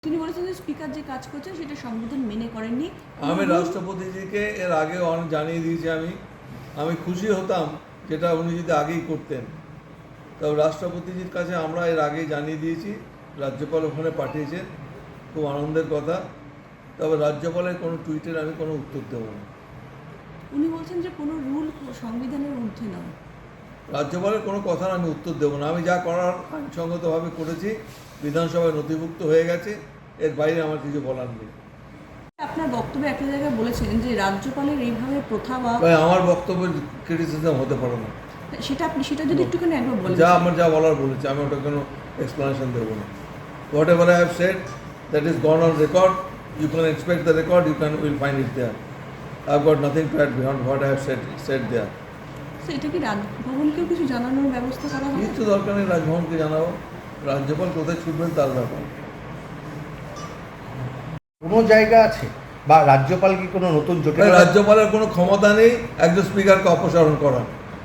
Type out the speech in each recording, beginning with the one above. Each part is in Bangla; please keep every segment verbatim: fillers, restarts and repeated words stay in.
তিনি বলেছেন যে স্পিকার যে কাজ করছেন সেটা সংবিধান মেনে করেননি। আমি রাষ্ট্রপতিজিকে এর আগে অনেক জানিয়ে দিয়েছি। আমি আমি খুশি হতাম যেটা উনি যদি আগেই করতেন। তবে রাষ্ট্রপতিজির কাছে আমরা এর আগেই জানিয়ে দিয়েছি, রাজ্যপাল ওখানে পাঠিয়েছেন, খুব আনন্দের কথা। তবে রাজ্যপালের কোনো টুইটের আমি কোনো উত্তর দেব না। উনি বলছেন যে কোনো রুল সংবিধানের ঊর্ধ্বে নয়। রাজ্যপালের কোনো কথার আমি উত্তর দেব না। আমি যা করার আইনসঙ্গতভাবে করেছি, বিধানসভায় নথিভুক্ত হয়ে গেছে, এর বাইরে আমার কিছু বলার নেই। আপনার বক্তব্যে একটা জায়গায় বলেছেন যে রাজ্যপালের এইভাবে প্রথা বা আমার বক্তব্যের ক্রিটিসিজম হতে পারে না। সেটা আপনি সেটা যদি একটুখানি একবার বলেন। যা আমার যা বলার বলেছি, আমি ওটা কোনো এক্সপ্লেনেশন দেবো না। Whatever I have said, that is gone on record. You can expect the record, you can will find it there. I have got nothing to add beyond what I have said said there. এটা কি রাজভবনকেও কিছু জানানোর ব্যবস্থা করা হবে? কিছু দরকার নেই রাজভবনকে জানাবো। রাজ্যপাল কোথায় ছুটবেন তার ব্যাপার। কোনো জায়গা আছে বা রাজ্যপাল কি কোনো নতুন জটিল রাজ্যপালের কোনো ক্ষমতা নেই একজন স্পিকারকে অপসারণ করার।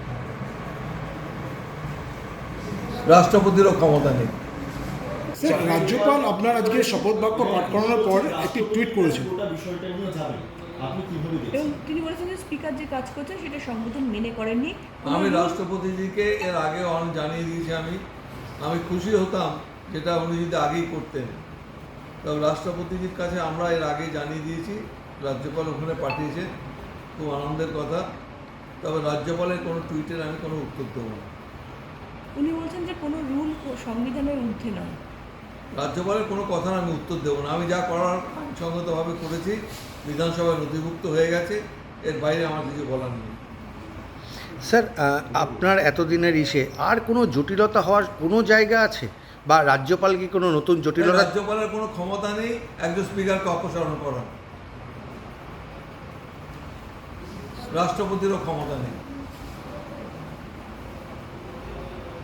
রাষ্ট্রপতিরও ক্ষমতা নেই। স্যার, রাজ্যপাল আপনার আজকে শপথ বাক্য পাঠ করানোর পর একটি টুইট করেছেন। এবং তিনি বলেছেন যে স্পিকার যে কাজ করছেন সেটা সংবিধান মেনে করেননি। আমি রাষ্ট্রপতিজিকে এর আগে অনেক জানিয়ে দিয়েছি। আমি আমি খুশি হতাম যেটা উনি যদি আগেই করতেন। তবে রাষ্ট্রপতিজির কাছে আমরা এর আগে জানিয়ে দিয়েছি, রাজ্যপাল ওখানে পাঠিয়েছেন, খুব আনন্দের কথা। তবে রাজ্যপালের কোনো টুইটের আমি কোনো উত্তর দেবো না। উনি বলছেন যে কোনো রুল সংবিধানের ঊর্ধ্বে নয়। রাজ্যপালের কোনো কথার আমি উত্তর দেবো না। আমি যা করার আইনসঙ্গতভাবে করেছি, বিধানসভায় নথিভুক্ত হয়ে গেছে, এর বাইরে আমার কিছু বলার নেই। স্যার, আপনার এতদিনের ইসে আর কোনো জটিলতা হওয়ার কোনো জায়গা আছে বা রাজ্যপাল কি কোনো নতুন জটিলতা? রাজ্যপালের কোনো ক্ষমতা নেই একজন স্পিকারকে অপসারণ করার। রাষ্ট্রপতিরও ক্ষমতা নেই।